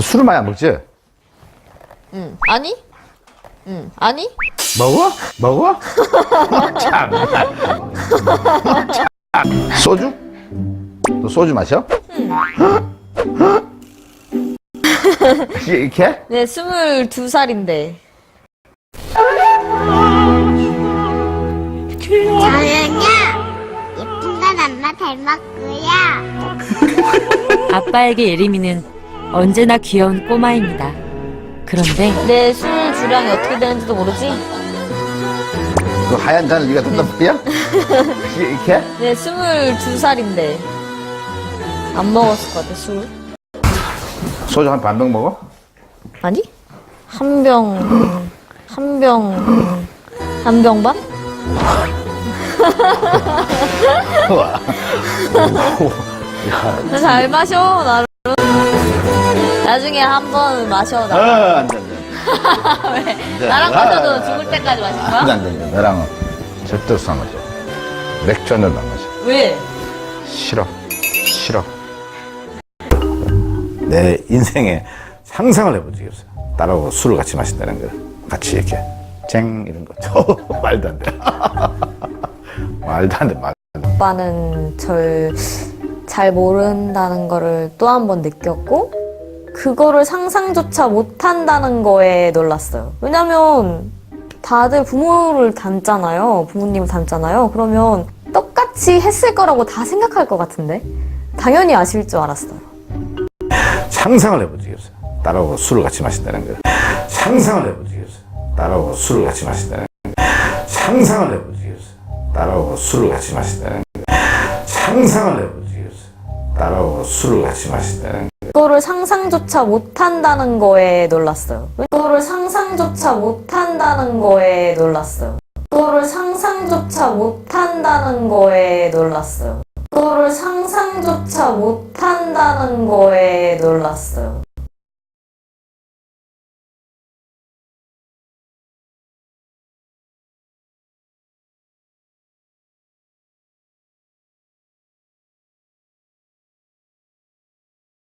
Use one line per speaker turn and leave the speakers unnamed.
술을 많이 안 먹지?
응. 아니? 응. 아니?
먹어? 먹어? 참. 참. 소주? 너 소주 마셔? 이렇게?
네, 22살인데.
저는요 예쁜 건 엄마 닮았고요.
아빠에게 예림이는 언제나 귀여운 꼬마입니다. 그런데
내 술 주량이 어떻게 되는지도 모르지?
그 하얀 잔을 네가 든단 말이야? 이렇게?
네, 22살인데. 안 먹었을 것 같아, 술.
소주 한 반병 먹어?
아니? 한 병 반?
우와. 야.
잘 마셔, 나름. 나중에 한번 마셔, 나.
안 돼, 안 돼.
왜? 나랑 마셔도 죽을 때까지 마실
안 돼,
거야?
안 돼. 너랑은 절대로 술 안 마셔. 맥주 한 잔도 안 마셔.
왜?
싫어. 싫어. 내 인생에 상상을 해본 적이 없어요. 딸하고 술을 같이 마신다는 걸. 같이 이렇게 쟁 이런 거. 말도 안 돼. 말도 안 돼. 말.
오빠는 절 잘 모른다는 거를 또 한 번 느꼈고, 그거를 상상조차 못한다는 거에 놀랐어요. 왜냐면 다들 부모를 닮잖아요. 부모님을 닮잖아요. 그러면 똑같이 했을 거라고 다 생각할 것 같은데 당연히 아실 줄 알았어요.
상상을 해본 적이 없어요. 딸하고 술을 같이 마신다는 걸. 상상을 해본 적이 없어요. 딸하고 술을 같이 마신다는 걸. 상상을 해본 적이 없어요. 딸하고 술을 같이 마신다는 걸. 상상을 해본 적이 없어요. 딸하고 술을 같이 마신다는 걸.
그거를 상상조차 못한다는 거에 놀랐어요. 그거를 상상조차 못한다는 거에 놀랐어요. 그거를 상상조차 못한다는 거에 놀랐어요. 그거를 상상조차 못한다는 거에 놀랐어요.